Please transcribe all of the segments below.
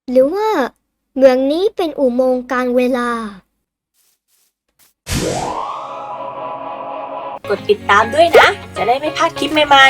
หรือว่าเมืองนี้เป็นอุโมงค์การเวลากดติดตามด้วยนะ จะได้ไม่พลาดคลิปใหม่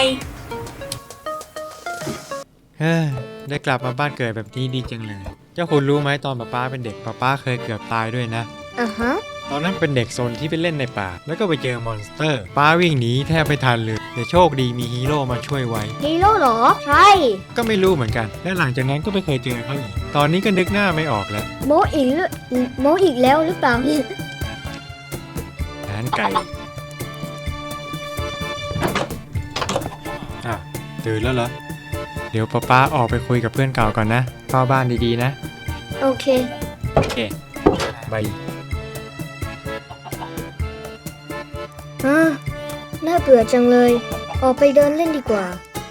เฮ้ยได้กลับมาบ้านเกิดแบบนี้ดีจังเลย เจ้าคุณรู้ไหมตอนป้าเป็นเด็กป้าเคยเกือบตายด้วยนะอ่ะฮะตอนนั้นเป็นเด็กโซนที่ไปเล่นในป่า แล้วก็ไปเจอมอนสเตอร์ ป้าวิ่งหนีแทบไม่ทันเลยแต่โชคดีมีฮีโร่มาช่วยไว้ฮีโร่เหรอ ใช่ก็ไม่รู้เหมือนกัน และหลังจากนั้นก็ไม่เคยเจอเขาอีก ตอนนี้ก็นึกหน้าไม่ออกแล้วโมอีกหรือโมอีกแล้วหรือเปล่าอาหารไก่อ่ะตื่นแล้วเหรอ เดี๋ยวป้าออกไปคุยกับเพื่อนเก่าก่อนนะเฝ้าบ้านดีๆนะโอเคโอเคบายน่าเบื่อจังเลย ออกไปเดินเล่นดีกว่า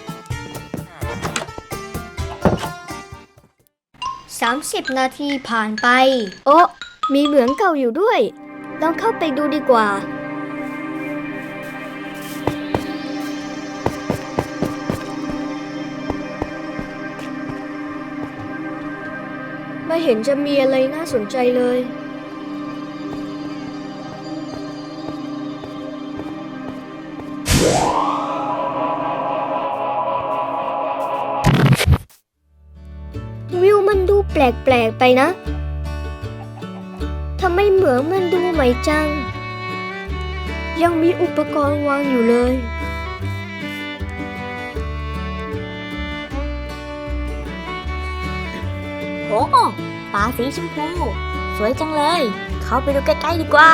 30 นาทีผ่านไป โอ้มีเหมืองเก่าอยู่ด้วย ลองเข้าไปดูดีกว่า ไม่เห็นจะมีอะไรน่าสนใจเลย วิวมันดูแปลกๆไปนะ ทำไมเหมืองมันดูใหม่จัง ยังมีอุปกรณ์วางอยู่เลยๆโอ้ปลาสีชมพูสวยจังเลย เข้าไปดูใกล้ๆดีกว่า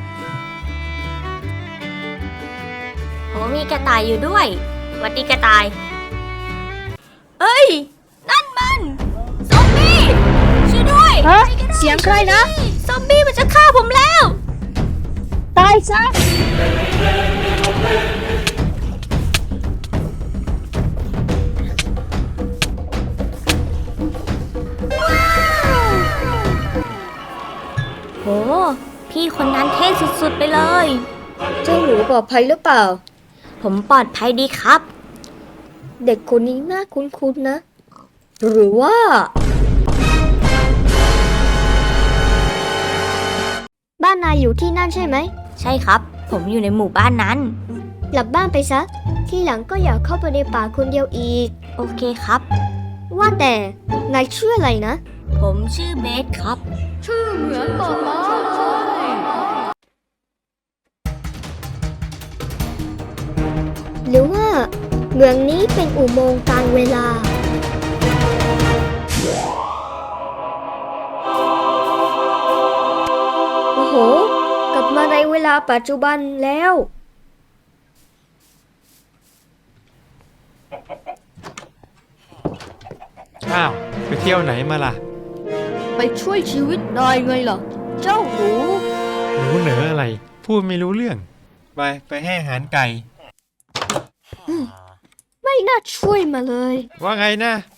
โหมีกระต่ายอยู่ด้วยหวัดดีกระต่าย เอ้ย นั่นมันซอมบี้ช่วยด้วยฮะ เสียงใครนะซอมบี้มันจะฆ่าผมแล้วตายซะโห พี่คนนั้นเท่สุดๆไปเลยเจ้าหนูปลอดภัยหรือเปล่าผมปลอดภัยดีครับเด็กคนนี้น่าคุ้นๆนะ หรือว่า บ้านนายอยู่ที่นั่นใช่ไหมใช่ครับ ผมอยู่ในหมู่บ้านนั้นกลับบ้านไปซะ ที่หลังก็อย่าเข้าไปในป่าคนเดียวอีกโอเคครับว่าแต่ นายชื่ออะไรนะผมชื่อเบสครับชื่อเหมือนบอกมาหรือว่าเมืองนี้เป็นอุโมงค์การเวลา โอ้โห กลับมาในเวลาปัจจุบันแล้วอ้าวไปเที่ยวไหนมาล่ะไปช่วยชีวิตนายไงล่ะ เจ้าหนูหนูเหนืออะไร พูดไม่รู้เรื่อง ไปให้อาหารไก่ไม่น่าช่วยมาเลยว่าไงนะ